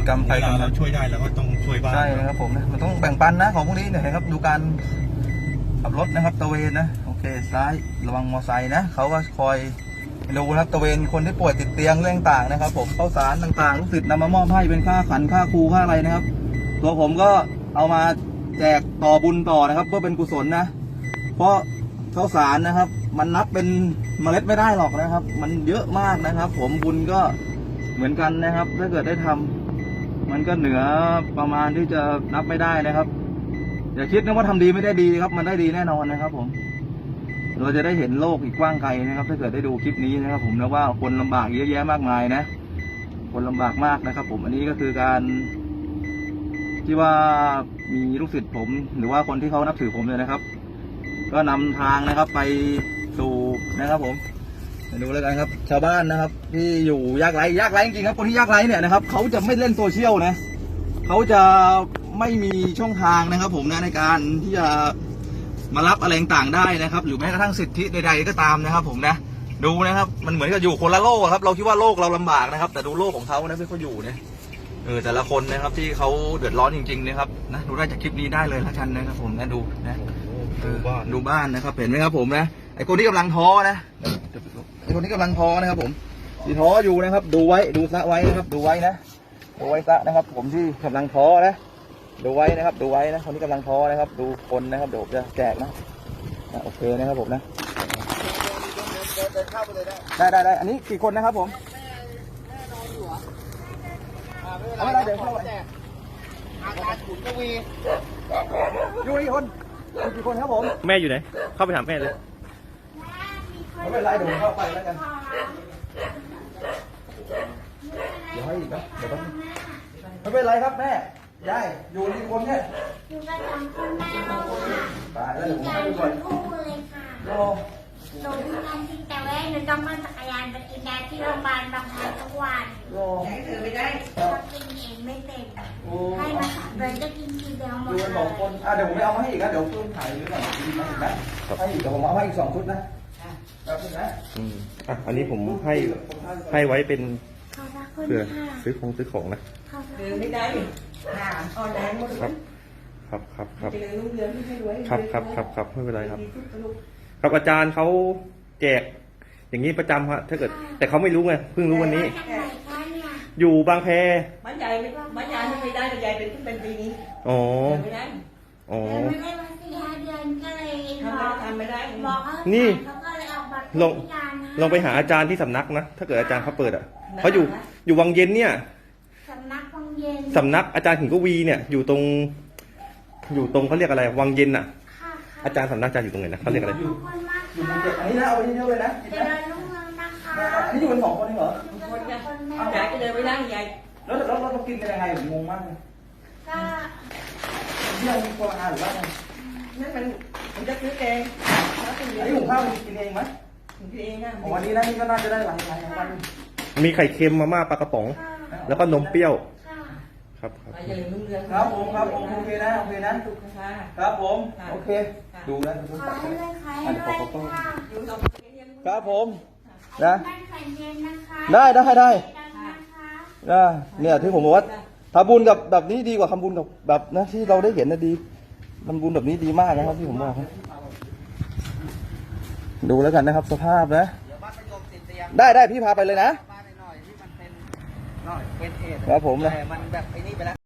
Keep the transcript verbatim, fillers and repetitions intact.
กรรมใครกรรมเราช่วยได้เราก็ต้องช่วยบ้างใช่นะครับผมนะมันต้องแบ่งปันนะของพวกนี้เนี่ยครับดูการขับรถนะครับตะเวนนะโอเคซ้ายระวังมอไซค์นะเขาก็คอยดูนะครับตะเวนคนที่ป่วยติดเตียงเรื่องต่างนะครับผมข้าวสารต่างๆลูกศิษย์นำมามอบให้เป็นค่าขันค่าครูค่าอะไรนะครับตัวผมก็เอามาแจกต่อบุญต่อนะครับเพื่อเป็นกุศลนะเพราะข้าวสารนะครับมันนับเป็นเมล็ดไม่ได้หรอกนะครับมันเยอะมากนะครับผมบุญก็เหมือนกันนะครับถ้าเกิดได้ทำมันก็เหนือประมาณที่จะนับไม่ได้นะครับอย่าคิดนะว่าทำดีไม่ได้ดีครับมันได้ดีแน่นอนนะครับผมเราจะได้เห็นโลกอีกกว้างไกลนะครับถ้าเกิดได้ดูคลิปนี้นะครับผมนะว่าคนลำบากเยอะแยะมากมายนะคนลำบากมากนะครับผมอันนี้ก็คือการที่ว่ามีลูกศิษย์ผมหรือว่าคนที่เขานับถือผมเลยนะครับก็นำทางนะครับไปสู่นะครับผมดูแล้วกันครับชาวบ้านนะครับที่อยู่ยากไร้ยากไร้จริงๆครับคนที่ยากไร้เนี่ยนะครับเขาจะไม่เล่นโซเชียลนะเขาจะไม่มีช่องทางนะครับผมนะในการที่จะมารับอะไรต่างได้นะครับหรือแม้กระทั่งสิทธิใดๆก็ตามนะครับผมนะดูนะครับมันเหมือนกับอยู่คนละโลกครับเราคิดว่าโลกเราลำบากนะครับแต่ดูโลกของเขานะที่เขาอยู่เนี่ยเออแต่ละคนนะครับที่เขาเดือดร้อนจริงๆนะครับนะดูได้จากคลิปนี้ได้เลยละกันนะครับผมนะดูนะดูบ้านดูบ้านนะครับเห็นไหมครับผมนะไอคนที่กำลังท้อนะไอคนที่กำลังท้อนะครับผมที่ท้ออยู่นะครับดูไว้ดูซะไว้นะครับดูไว้นะดูไว้ซะนะครับผมที่กำลังท้อนะดูไว้นะครับดูไว้นะคนที่กำลังท้อนะครับดูคนนะครับเดี๋ยวจะแจกนะโอเคนะครับผมนะได้ได้ได้อันนี้กี่คนนะครับผมเอาไม่ได้เดี๋ยวเข้าไปอาจารย์ขุนกวีอยู่กี่คนกี่คนครับผมแม่อยู่ไหนเข้าไปถามแม่เลยไม่เป็นไรเดี๋ยวผมเข้าไปแล้วกันเดี๋ยวให้อีกนะเดี๋ยวต้องไม่เป็นไรครับแม่ยายอยู่กี่คนเนี่ยอยู่กันสองคนแม่เราค่ะตายแล้วเดี๋ยวผมให้ดูก่อนคู่เลยค่ะหนูพิการจริงแต่ว่าหนูต้องมาจักรยานไปกินยาที่โรงพยาบาลบางพลีทุกวันไหนเธอไม่ได้ชอบกินเองไม่เต็มให้มาสามเดือนก็กินทีเดียวหมดอยู่กันสองคนอ่ะเดี๋ยวผมไปเอามาให้อีกนะเดี๋ยวเพิ่มถ่ายด้วยก่อนนะให้อีกเดี๋ยวผมเอามาอีกสองชุดนะแบบนี้นะอืมอ่ะอันนี้ผมให้ให้ไว้เป็นเพื่อซื้อของซื้อของนะเดินไม่ได้หาออนไลน์หมดครับครับครับครับเจริญรุ่งเรืองที่ให้รวยครับครับครับครับไม่เป็นไรครับครับอาจารย์เขาแจกอย่างนี้ประจำฮะถ้าเกิดแต่เขาไม่รู้ไงเพิ่งรู้วันนี้อยู่บางแพบ้านใหญ่บ้านใหญ่ไม่ได้แต่ใหญ่เป็นขึ้นเป็นปีนี้อ๋อไม่ได้อ๋อไม่ได้มาสี่ห้าเดือนก็เลยทำไม่ได้บอกนี่ลงลองไปหาอาจารย์ที่สำนักนะถ้าเกิดอาจารย์เขาเปิดอ่ะเขาอยู่อยู่วังเย็นเนี่ยสำนักวังเย็นสำนักอาจารย์ขิงกวีเนี่ยอยู่ตรงอยู่ตรงเขาเรียกอะไรวังเย็นอ่ะอาจารย์สำนักอาจารย์อยู่ตรงไหนนะเขาเรียกอะไรอยู่อยู่บนเจ็ดอันนี้นะเอาเยอะเลยนะเจริญรุ่งเรืองนะคะอันนี้อยู่กันสองคนเองเหรอคนจะใหญ่ก็เดินไม่ได้ใหญ่แล้วแล้วเรากินกันยังไงผมงงมากเลยก็เที่ยวมีคนอาหรือว่าไงนั่นมันมันจะซื้อเองอันนี้หุงข้าวกินเองไหมกินเองนะวันนี้นะนี่ก็น่าจะได้หลายหลายวันมีไข่เค็มมาม่าปลากระป๋องแล้วก็นมเปรี้ยวครับครับครับผมครับผมโอเคนะโอเคนะครับผมโอเคดูนะดูขอให้เลยค่ะให้ด้วยค่ะครับผมนะได้ได้ได้ได้เนี่ยที่ผมบอกว่าทำบุญกับแบบนี้ดีกว่าทำบุญกับแบบนะที่เราได้เห็นนะดีทำบุญแบบนี้ดีมากนะครับที่ผมบอกดูแล้วกันนะครับสภาพนะได้ได้พี่พาไปเลยนะครับผมนะ